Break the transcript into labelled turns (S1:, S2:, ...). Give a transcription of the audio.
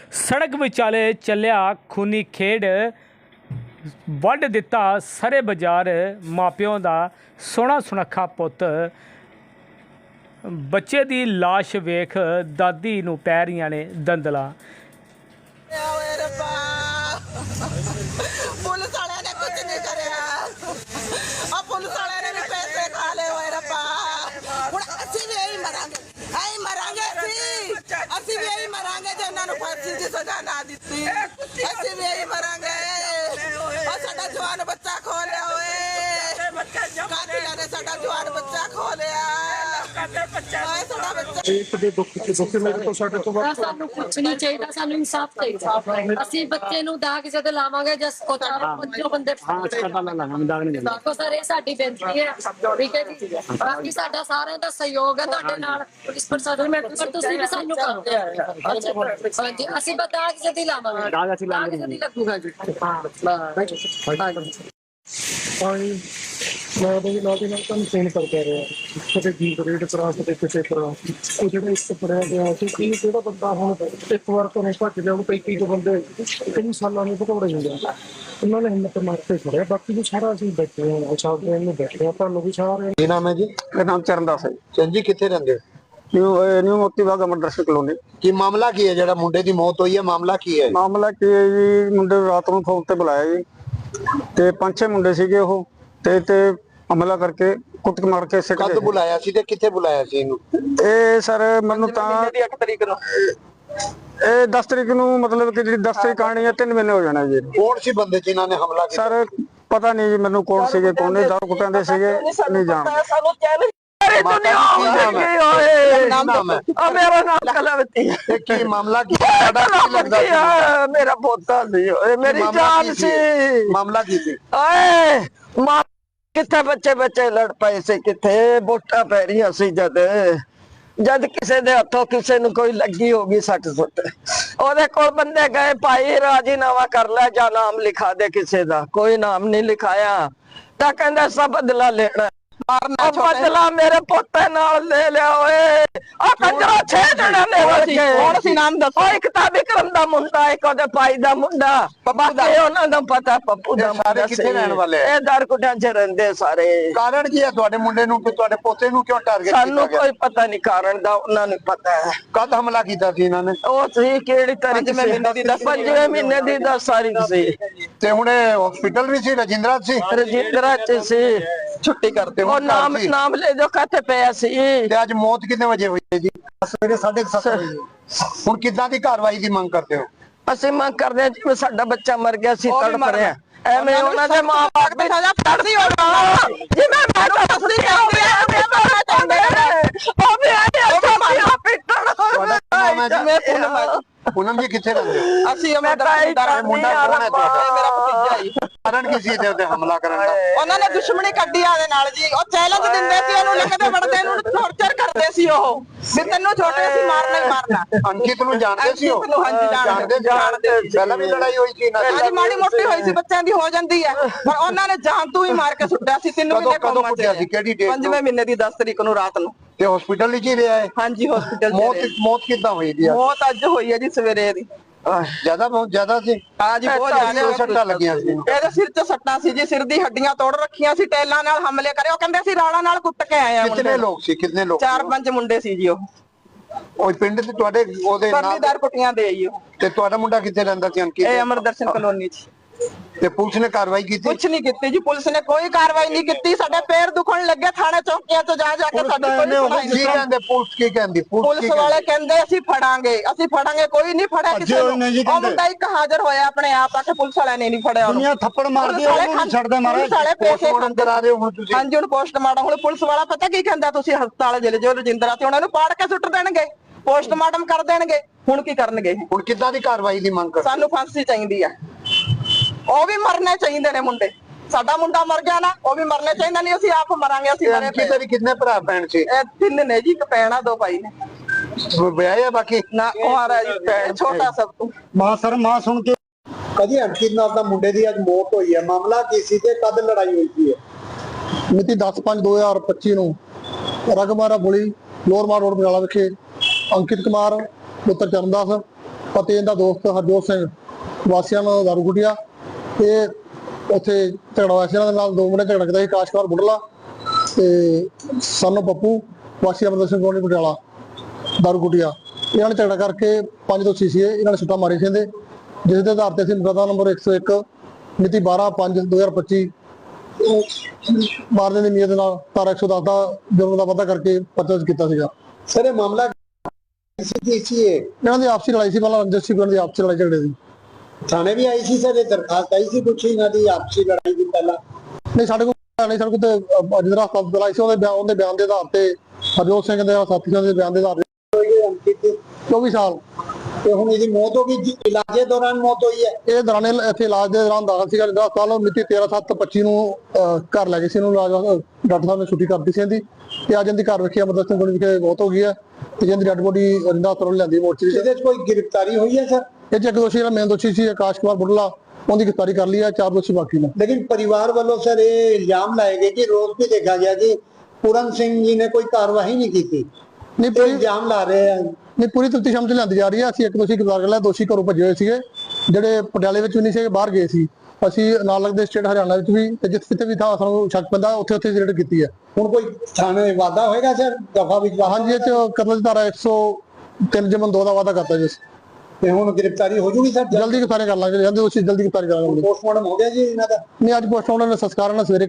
S1: सड़क विचाले चलिया खूनी खेड वढ़ दिता सरे बाजार मापिओं का सोहना सुनखा पुत बच्चे की लाश वेख दादी नूं पै रहियां ने दंदलां।
S2: पुलिस वाले ने कुछ नहीं करया और पुलिस वाले ने भी पैसे खा ले होए रब्बा। हुण असीं भी यही मरांगे असीं भी यही मरांगे जे इन्हां नूं फांसी दी सज़ा ना दित्ती। असीं भी यही मरांगे और साडा जवान बच्चा खो लिया होए कातिलां ने साडा जवान बच्चा खो लिया।
S3: ਸਾਨੂੰ ਕੁਛ ਨਹੀਂ ਚਾਹੀਦਾ, ਸਾਨੂੰ ਇਨਸਾਫ ਚਾਹੀਦਾ। ਅਸੀਂ ਬੱਚੇ ਨੂੰ ਦਾਗ ਜਦ ਲਾਵਾਂਗੇ ਜਸ ਕੋ ਚਾਰ ਪੰਜੋ ਬੰਦੇ ਦੇਖੋ ਸਰ, ਇਹ ਸਾਡੀ ਬੇਨਤੀ ਹੈ, ਠੀਕ ਹੈ ਜੀ। ਬਾਕੀ ਸਾਡਾ ਸਾਰਿਆਂ ਦਾ ਸਹਿਯੋਗ ਹੈ ਤੁਹਾਡੇ ਨਾਲ, ਪੁਲਿਸ ਪ੍ਰਸ਼ਾਸਨ ਮੈਂ ਤੁਸੀਂ ਵੀ ਸਾਨੂੰ ਕਰੋ। ਹਾਂਜੀ, ਅਸੀਂ ਬਸ ਦਾਗ ਜਦ ਹੀ ਲਾਵਾਂਗੇ, ਦਾਗ ਜਦ ਹੀ ਲੱਗੂਗਾ ਜੀ।
S4: मैं फोन करता रहा कभी बीस रेट करा कभी किसी तरह वो जो एक पढ़िया गया क्योंकि जो बंदा हम एक बार तो नहीं भज लिया 35 बंदे कई सालों में भगौड़े होंगे उन्होंने हिम्मत मार के छड़िया। बाकी जो सारा असं बैठे हैं बैठे हैं तुम भी सारे।
S5: ਕੀ ਨਾਮ ਹੈ ਜੀ?
S6: ਮੇਰਾ ਨਾਮ ਚਰਨਦਾਸ ਹੈ
S5: ਚੰਦ ਜੀ, ਕਿੱਥੇ ਰਹਿੰਦੇ ਹੋ?
S6: ਨਿਊ ਮੋਤੀ ਬਾਗ ਅਮਰਦਰਸ਼ਨ ਕਲੋਨੀ।
S5: ਕੀ ਮਾਮਲਾ ਕੀ ਹੈ ਜਿਹੜਾ ਮੁੰਡੇ ਦੀ ਮੌਤ ਹੋਈ ਹੈ? ਮਾਮਲਾ ਕੀ ਹੈ?
S6: ਮਾਮਲਾ ਕੀ ਹੈ ਜੀ, ਮੁੰਡੇ ਨੂੰ ਰਾਤ ਨੂੰ ਫੋਨ ਤੇ ਬੁਲਾਇਆ ਜੀ ਤੇ 5-6 ਮੁੰਡੇ ਸੀਗੇ ਉਹ ਤੇ ਹਮਲਾ ਕਰਕੇ ਕੁੱਟ ਮਾਰ ਕੇ ਸਿੱਟ
S5: ਕਦ ਬੁਲਾਇਆ ਸੀ ਤੇ ਕਿੱਥੇ ਬੁਲਾਇਆ ਸੀ ਇਹਨੂੰ?
S6: ਇਹ ਸਰ ਮੈਨੂੰ ਤਾਂ
S2: 8 ਤਰੀਕ ਨੂੰ
S6: ਇਹ 10 ਤਰੀਕ ਨੂੰ ਮਤਲਬ ਕਿ ਜਿਹੜੀ 10 ਤਰੀਕ ਆਣੀ ਹੈ 3 ਮਹੀਨੇ ਹੋ ਜਾਣਾ ਜੀ।
S5: ਕੌਣ ਸੀ ਬੰਦੇ ਜਿਨ੍ਹਾਂ ਨੇ ਹਮਲਾ ਕੀਤਾ?
S6: ਸਰ ਪਤਾ ਨਹੀਂ ਜੀ ਮੈਨੂੰ ਕੌਣ ਸੀਗੇ ਕੌਣ ਨਹੀਂ, ਦਾਰੂ ਕੁੱਟਾਂ ਦੇ ਸੀਗੇ ਨਹੀਂ ਜਾਣਦੇ।
S2: ਮੇਰਾ ਨਾਮ ਕਲਾਵਤੀ ਹੈ।
S5: ਕੀ ਮਾਮਲਾ ਕੀ ਸਾਡਾ ਕੀ ਲੱਗਦਾ ਸੀ?
S2: ਮੇਰਾ ਪੋਤਾ ਸੀ, ਮੇਰੀ ਜਾਨ ਸੀ।
S5: ਮਾਮਲਾ ਕੀ ਸੀ?
S2: ਓਏ ਮਾਂ ਕਿੱਥੇ ਬੱਚੇ ਲੜ ਪਏ ਸੀ, ਕਿੱਥੇ ਵੋਟਾਂ ਪੈ ਰਹੀਆਂ ਸੀ ਜਦ ਕਿਸੇ ਦੇ ਹੱਥੋਂ ਕਿਸੇ ਨੂੰ ਕੋਈ ਲੱਗੀ ਹੋਗੀ ਸੱਟ ਸੁੱਟ, ਉਹਦੇ ਕੋਲ ਬੰਦੇ ਗਏ, ਭਾਈ ਰਾਜੀਨਾਮਾ ਕਰ ਲੈ ਜਾਂ ਨਾਮ ਲਿਖਾ ਦੇ ਕਿਸੇ ਦਾ। ਕੋਈ ਨਾਮ ਨਹੀਂ ਲਿਖਾਇਆ ਤਾਂ ਕਹਿੰਦਾ ਸਭ ਬਦਲਾ ਲੈਣਾ। ਬਦਲਾ ਮੇਰੇ ਪੋਤੇ ਨਾਲ ਲੈ ਲਿਆ ਓਏ। ਆ ਕੰਜਰਾ 6 ਜਣੇ ਨੇ ਕੌਣ ਸੀ ਨਾਮ ਦੱਸੋ? ਇੱਕ ਤਾਂ ਵਿਕਰਮ ਦਾ ਮੁੰਡਾ, ਇੱਕ ਉਹਦੇ ਭਾਈ ਦਾ ਮੁੰਡਾ, ਬਾਕੀ ਉਹਨਾਂ ਦਾ ਪਤਾ ਪੱਪੂ ਦਾ ਮੁੰਡਾ।
S5: ਕਿੱਥੇ ਰਹਿਣ ਵਾਲੇ?
S2: ਇਹ ਦਾਰਕੁਟਿਆਂ 'ਚ ਰਹਿੰਦੇ ਸਾਰੇ।
S5: ਕਾਰਨ ਕੀ ਹੈ ਤੁਹਾਡੇ ਮੁੰਡੇ ਨੂੰ ਕਿ ਤੁਹਾਡੇ ਪੋਤੇ ਨੂੰ ਕਿਉਂ ਟਾਰਗੇਟ ਕੀਤਾ ਗਿਆ?
S2: ਸਾਨੂੰ ਕੋਈ ਪਤਾ ਨਹੀਂ ਕਾਰਨ ਦਾ, ਉਹਨਾਂ ਨੂੰ ਪਤਾ ਹੈ।
S5: ਕਦ ਹਮਲਾ ਕੀਤਾ ਸੀ ਇਹਨਾਂ ਨੇ?
S2: ਉਹ ਸੀ ਕਿਹੜੀ ਤਾਰੀਖ? 5ਵੇਂ ਮਹੀਨੇ ਦੀ 10 ਤਾਰੀਖ ਸੀ।
S5: ਤੇ ਹੁਣ ਹਸਪੀਟਲ ਵੀ ਸੀ? ਰਜਿੰਦਰਾ ਸੀ?
S2: ਰਜਿੰਦਰਾ 'ਚ ਸੀ। ਛੁੱਟੀ ਕਰਦੇ ਉਹ ਨਾਮ ਲੈ ਜੋ ਕਾਤੇ ਪਿਆ ਸੀ।
S5: ਤੇ ਅੱਜ ਮੌਤ ਕਿੰਨੇ ਵਜੇ ਹੋਈ ਹੈ ਜੀ? ਸਵੇਰੇ 7:30 ਵਜੇ। ਹੁਣ ਕਿੱਦਾਂ ਦੀ ਕਾਰਵਾਈ ਦੀ ਮੰਗ ਕਰਦੇ ਹੋ?
S2: ਅਸੀਂ ਮੰਗ ਕਰਦੇ ਹਾਂ ਜਿਵੇਂ ਸਾਡਾ ਬੱਚਾ ਮਰ ਗਿਆ ਸੀ, ਤੜਪ ਰਿਹਾ ਐਵੇਂ ਉਹਨਾਂ ਦੇ ਮਾਂ-ਬਾਪ ਦੀ ਸਜ਼ਾ ਫੜਦੀ ਹੋਣਾ ਜਿਵੇਂ ਮੈਂ ਦੱਸਦੀ ਜਾਂਦੀ ਆ। ਉਹ ਵੀ ਆਏ ਅੱਛਾ ਮਾਰਾ ਪਿੱਟਣ।
S5: ਤੁਹਾਡਾ ਨਾਮ ਹੈ ਜੀ? ਪੂਨਮ ਜੀ, ਕਿੱਥੇ ਰਹਿੰਦੇ ਹੋ?
S2: ਅਸੀਂ ਅਮਰਦਾਰ
S5: ਮੁੰਡਾ ਕੌਣ ਹੈ ਤੁਹਾਡਾ?
S2: ਮੇਰਾ ਭਤੀਜਾ ਜੀ।
S5: ਕਾਰਨ ਕੀ ਸੀ ਇਹਦੇ ਹਮਲਾ ਕਰਨ ਦਾ?
S2: ਉਹਨਾਂ ਨੇ ਦੁਸ਼ਮਣੀ ਕੱਢੀ ਆਦੇ ਨਾਲ ਜੀ। ਉਹ ਚੈਲੰਜ ਦਿੰਦੇ ਸੀ ਉਹਨੂੰ, ਲਿਖਦੇ ਵੜਦੇ ਨੂੰ ਟੌਰਚਰ ਕਰਦੇ ਸੀ ਉਹ ਵੀ ਤੈਨੂੰ ਛੋਟੇ ਸੀ ਮਾਰਨਾ ਹੀ ਮਾਰਨਾ।
S5: ਅੰਕਿਤ ਨੂੰ ਜਾਣਦੇ ਸੀ ਉਹ?
S2: ਹਾਂਜੀ ਜਾਣਦੇ।
S5: ਪਹਿਲਾਂ ਵੀ ਲੜਾਈ ਹੋਈ ਸੀ ਇਹਨਾਂ ਦੀ?
S2: ਹਾਂਜੀ ਮਾੜੀ ਮੋਟੀ ਹੋਈ ਸੀ, ਬੱਚਿਆਂ ਦੀ ਹੋ ਜਾਂਦੀ ਹੈ, ਪਰ ਉਹਨਾਂ ਨੇ ਜਾਨ ਤੋਂ ਹੀ ਮਾਰ ਕੇ ਸੁੱਟਿਆ ਸੀ। 3 ਮਹੀਨੇ
S5: ਕਦੋਂ ਕੁੱਟਿਆ ਸੀ? ਕਿਹੜੀ ਡੇਟ?
S2: 5ਵੇਂ ਮਹੀਨੇ ਦੀ 10 ਤਰੀਕ ਨੂੰ ਰਾਤ ਨੂੰ।
S5: ਤੇ ਹਸਪੀਟਲ ਵਿੱਚ ਹੀ ਰਿਹਾ ਹੈ?
S2: ਹਾਂਜੀ ਹਸਪੀਟਲ
S5: ਮੌਤ ਕਿੱਦਾਂ ਹੋਈ ਦੀ?
S2: ਮੌਤ ਅੱਜ ਹੋਈ ਹੈ ਜੀ ਸਵੇਰੇ ਦੀ।
S5: ਬਹੁਤ ਜ਼ਿਆਦਾ ਸੀ?
S2: ਹਾਂਜੀ ਬਹੁਤ ਜ਼ਿਆਦਾ
S5: ਸੱਟਾਂ ਲੱਗੀਆਂ ਸੀ।
S2: ਇਹਦੇ ਸਿਰ 'ਚ ਸੱਟਾਂ ਸੀ ਜੀ, ਸਿਰ ਦੀ ਹੱਡੀਆਂ ਤੋੜ ਰੱਖੀਆਂ ਸੀ, ਟੈਲਾਂ ਨਾਲ ਹਮਲੇ ਕਰੇ। ਉਹ ਕਹਿੰਦੇ ਸੀ ਰਾਣਾ ਨਾਲ ਕੁੱਟ ਕੇ ਆਏ ਆ।
S5: ਕਿੰਨੇ ਲੋਕ ਸੀ? ਕਿੰਨੇ ਲੋਕ?
S2: 4-5 ਮੁੰਡੇ ਸੀ ਜੀ।
S5: ਉਹ ਪਿੰਡ ਤੇ ਤੁਹਾਡੇ ਉਹਦੇ ਨਾਲ
S2: ਪਰਲੀਦਾਰ ਕੁੱਟੀਆਂ ਦੇ ਆਈ ਉਹ।
S5: ਤੇ ਤੁਹਾਡਾ ਮੁੰਡਾ ਕਿੱਥੇ ਰਹਿੰਦਾ ਸੀ ਅੰਕਿਤ?
S2: ਇਹ ਅਮਰਦਰਸ਼ਨ ਕਲੋਨੀ 'ਚ।
S5: ਤੇ ਪੁਲਿਸ ਨੇ ਕਾਰਵਾਈ ਕੀਤੀ?
S2: ਕੁਛ ਨਹੀਂ ਕੀਤੀ ਜੀ, ਪੁਲਿਸ ਨੇ ਕੋਈ ਕਾਰਵਾਈ ਨਹੀਂ ਕੀਤੀ। ਸਾਡੇ ਪੈਰ ਦੁਖਣ ਲੱਗੇ ਥਾਣੇ ਚੌਕੀਆਂ 'ਚ ਜਾ ਕੇ। ਸਾਡੀ ਕੋਈ ਸੁਣਾਈ ਨਹੀਂ।
S5: ਕੀ ਕਹਿੰਦੇ ਪੁਲਿਸ? ਕੀ ਕਹਿੰਦੀ
S2: ਪੁਲਿਸ ਵਾਲੇ? ਕਹਿੰਦੇ ਅਸੀਂ ਫੜਾਂਗੇ ਕੋਈ ਨਹੀਂ ਫੜਿਆ ਕਿਸੇ ਨੂੰ। ਉਹ ਮੁੰਡਾ ਇੱਕ ਹਾਜ਼ਰ ਹੋਇਆ ਆਪਣੇ ਆਪ ਆ ਕੇ, ਪੁਲਿਸ ਵਾਲਿਆਂ ਨੇ ਨਹੀਂ ਫੜਿਆ ਉਹਨੂੰ।
S5: ਥੱਪੜ ਮਾਰਦੇ ਉਹਨੂੰ ਛੱਡਦੇ ਮਾਰੇ।
S2: ਪੁਲਿਸ ਵਾਲੇ ਪੈਸੇ
S5: ਕਰਾ ਰਹੇ ਹੋ ਹੁਣ ਤੁਸੀਂ?
S2: ਹਾਂਜੀ ਹੁਣ ਪੋਸਟਮਾਰਟਮ। ਹੁਣ ਪੁਲਿਸ ਵਾਲਾ ਪਤਾ ਕੀ ਕਹਿੰਦਾ, ਤੁਸੀਂ ਹਸਪਤਾਲ ਚਲੇ ਜਾਓ ਰਜਿੰਦਰਾ ਤੇ, ਉਹਨਾਂ ਨੂੰ ਪਾੜ ਕੇ ਸੁੱਟ ਦੇਣਗੇ, ਪੋਸਟਮਾਰਟਮ ਕਰ ਦੇਣਗੇ। ਹੁਣ ਕੀ ਕਰਨਗੇ?
S5: ਹੁਣ ਕਿੱਦਾਂ ਦੀ ਕਾਰਵਾਈ ਦੀ ਮੰਗ ਕਰਦੇ?
S2: ਸਾਨੂੰ ਫਾਂਸੀ ਚਾਹੀਦੀ ਆ। ਉਹ ਵੀ ਮਰਨੇ ਚਾਹੀਦੇ ਨੇ ਮੁੰਡੇ। ਸਾਡਾ ਮੁੰਡਾ ਮਰ ਗਿਆ ਨਾ, ਉਹ ਵੀ ਮਰਨੇ ਚਾਹੀਦਾ। ਨਹੀਂ ਅਸੀਂ ਆਪ ਮਰਾਂਗੇ। ਅਸੀਂ ਮਰੇ ਪਏ।
S5: ਤੇਰੀ ਕਿੰਨੇ ਭਰਾ ਭੈਣ ਸੀ?
S2: ਇਹ 3 ਨੇ ਜੀ, ਇੱਕ ਭੈਣ ਆ, 2 ਭਾਈ ਨੇ।
S5: ਵਿਆਹ ਹੈ ਬਾਕੀ?
S2: ਨਾ ਕੁਆਰਾ ਜੀ, ਭੈਣ ਛੋਟਾ ਸਭ ਤੋਂ।
S6: ਮਾਂ ਸੁਣ ਕੇ
S5: ਕਦੀ ਅੰਕਿਤ ਨਾਲ ਦਾ ਮੁੰਡੇ ਦੀ ਅੱਜ ਮੌਤ ਹੋਈ ਹੈ, ਮਾਮਲਾ ਕੀ ਸੀ ਤੇ ਕਦ ਲੜਾਈ ਹੋਈ ਸੀ?
S4: ਮਿਤੀ 10/5/2025 ਨੂੰ ਰਗਮਾਰਾ ਬੁਲੀ ਲੋਰਮਾ ਰੋਡ ਬਜਾਲਾ ਵਿਖੇ ਅੰਕਿਤ ਕੁਮਾਰ ਪੁੱਤਰ ਚਰਨਦਾਸ ਅਤੇ ਇਹਦਾ ਦੋਸਤ ਹਰਜੋਤ ਸਿੰਘ ਵਾਸੀਆਂ ਨੂੰ ਦਾਰੂਗੁਟੀਆ, ਇਹ ਉੱਥੇ ਝਗੜਾ ਹੋਇਆ ਸੀ ਇਹਨਾਂ ਦੇ ਨਾਲ। 2 ਮੁੰਡੇ ਝਗੜਾ ਕੀਤਾ ਸੀ, ਆਕਾਸ਼ ਕੁਮਾਰ ਬੁੱਢਲਾ ਤੇ ਸਾਨੂੰ ਪੱਪੂ ਵਾਸੀ ਅਮਰਦਰ ਸਿੰਘ ਕਲੋਨੀ ਪਟਿਆਲਾ ਦਾਰੂਗੁਟੀਆ। ਇਹਨਾਂ ਨੇ ਝਗੜਾ ਕਰਕੇ 5 ਦੋਸ਼ੀ ਸੀ, ਇਹਨਾਂ ਨੇ ਸੁੱਟਾਂ ਮਾਰੀ ਸੀ ਇਹਦੇ, ਜਿਸ ਦੇ ਆਧਾਰ ਤੇ ਅਸੀਂ ਮੁਕੱਦਮਾ ਨੰਬਰ 101 ਮਿਤੀ 12/5/2025 ਮਾਰਨੇ ਦੀ ਨੀਅਤ ਦੇ ਨਾਲ ਧਾਰਾ 110 ਦਾ ਜੁਰਮ ਦਾ ਵਾਧਾ ਕਰਕੇ ਪਰਚਾ ਦਰਜ ਕੀਤਾ ਸੀਗਾ।
S5: ਸਰ ਇਹ ਮਾਮਲਾ
S4: ਇਹਨਾਂ ਦੀ ਆਪਸੀ ਲੜਾਈ ਸੀ, ਪਹਿਲਾਂ ਰੰਜਿਤ ਸਿੰਘ ਦੀ ਆਪਸੀ ਲੜਾਈ ਝਗੜੇ ਦੀ।
S5: ਥਾਣੇ ਵੀ ਆਈ ਸੀ ਸਰ, ਇਹ ਦਰਖਾਸਤ ਆਈ ਸੀ ਕੁਛ ਇਹਨਾਂ ਦੀ ਆਪਸੀ ਲੜਾਈ ਦੀ ਪਹਿਲਾਂ?
S4: ਨਹੀਂ, ਸਾਡੇ ਕੋਲ ਨਹੀਂ, ਸਾਡੇ ਕੋਲ ਤੇ ਜਿਹੜਾ ਹਸਪਤਾਲ ਬੁਲਾਈ ਸੀ ਉਹਦੇ ਬਿਆਨ ਦੇ ਆਧਾਰ ਤੇ, ਹਰਜੋਤ ਸਿੰਘ ਦੇ ਸਾਥੀਆਂ ਦੇ ਬਿਆਨ ਦੇ ਆਧਾਰ ਤੇ 24 ਸਾਲ।
S5: ਤੇ ਹੁਣ ਇਹਦੀ ਮੌਤ ਹੋ ਗਈ ਜੀ, ਇਲਾਜੇ ਦੌਰਾਨ ਮੌਤ ਹੋਈ ਹੈ?
S4: ਇਹ ਦੌਰਾਨ ਇੱਥੇ ਇਲਾਜ ਦੇ ਦੌਰਾਨ ਦਾਖਲ ਸੀਗਾ। ਜਿਹੜਾ ਕੱਲ ਮਿਤੀ 13/7/25 ਨੂੰ ਘਰ ਲੈ ਗਏ ਸੀ ਇਹਨੂੰ, ਡਾਕਟਰ ਸਾਹਿਬ ਨੇ ਛੁੱਟੀ ਕਰਤੀ ਸੀ ਇਹਦੀ, ਤੇ ਅੱਜ ਇਹਦੀ ਘਰ ਵਿਖੇ ਅਮਰਦਰ ਸਿੰਘ ਕਲੋਨੀ ਵਿਖੇ ਮੌਤ ਹੋ ਗਈ ਹੈ ਤੇ ਜਿਹਦੀ ਡੈਡ ਬੋਡੀ ਰਿੰਦਾ ਹਸਪਤਾਲ ਲਿਆਂਦੀ ਮੋਰਚਰੀ।
S5: ਇਹਦੇ 'ਚ ਕੋਈ ਗ੍ਰਿਫਤਾਰੀ ਹੋਈ ਹੈ ਸਰ?
S4: ਇਹ 'ਚ ਇੱਕ ਦੋਸ਼ੀ ਜਿਹੜਾ ਮੇਨ ਦੋਸ਼ੀ ਸੀ ਆਕਾਸ਼ ਕੁਮਾਰ ਬੁੱਢਲਾ, ਉਹਦੀ ਗ੍ਰਿਫਤਾਰੀ ਕਰ ਲਈ ਹੈ, 4 ਦੋਸ਼ੀ ਬਾਕੀ ਨੇ।
S5: लेकिन परिवार वालों सर ये इल्जाम लाए गए कि रोज भी देखा गया कि पूरन सिंह जी ने कोई कार्रवाई नहीं की थी,
S4: ਨਹੀਂ
S5: तो
S4: ਪੂਰੀ
S5: इल्जाम ला रहे हैं।
S4: ਨਹੀਂ ਪੂਰੀ ਤਫਤੀਸ਼ ਅਮਲ 'ਚ ਲਿਆਂਦੀ ਜਾ ਰਹੀ ਹੈ। ਅਸੀਂ ਇੱਕ ਦੋਸ਼ੀ ਗ੍ਰਿਫਤਾਰ ਕਰ ਲਿਆ, ਦੋਸ਼ੀ ਘਰੋਂ ਭੱਜੇ ਹੋਏ ਸੀਗੇ ਜਿਹੜੇ ਪਟਿਆਲੇ ਵਿੱਚ ਵੀ ਨਹੀਂ ਸੀਗੇ, ਬਾਹਰ ਗਏ ਸੀ। ਅਸੀਂ ਨਾਲ ਲੱਗਦੇ ਸਟੇਟ ਹਰਿਆਣਾ ਵਿੱਚ ਵੀ ਤੇ ਜਿੱਥੇ ਵੀ ਥਾਂ ਸਾਨੂੰ ਸ਼ੱਕ ਪੈਂਦਾ ਉੱਥੇ ਰੇਡ ਕੀਤੀ ਹੈ।
S5: ਹੁਣ ਕੋਈ ਥਾਣੇ ਵਾਦਾ ਹੋਏਗਾ ਸਰ ਦਫਾ ਵਿੱਚ?
S4: ਹਾਂਜੀ, ਇਹ 'ਚ ਕਤਲ ਦੀ ਧਾਰਾ 103/2 ਦਾ ਵਾਅਦਾ ਕਰਤਾ ਜੀ।
S5: ਤੇ ਹੁਣ ਗ੍ਰਿਫਤਾਰੀ ਹੋ ਜੂਗੀ ਸਰ?
S4: ਜਲਦੀ ਗ੍ਰਿਫਤਾਰੀ ਕਰ ਲਾਂਗੇ, ਜਾਂਦੇ ਦੋਸ਼ੀ ਜਲਦੀ ਗ੍ਰਿਫਤਾਰੀ ਕਰਾਂਗੇ।
S5: ਪੋਸਟਮਾਰਟਮ ਹੋ ਗਿਆ ਜੀ ਇਹਨਾਂ ਦਾ?
S4: ਨਹੀਂ, ਅੱਜ ਪੋਸਟਮਾਰਟਮ ਦਾ ਸੰਸਕਾਰ ਨਾਲ ਸਵੇਰੇ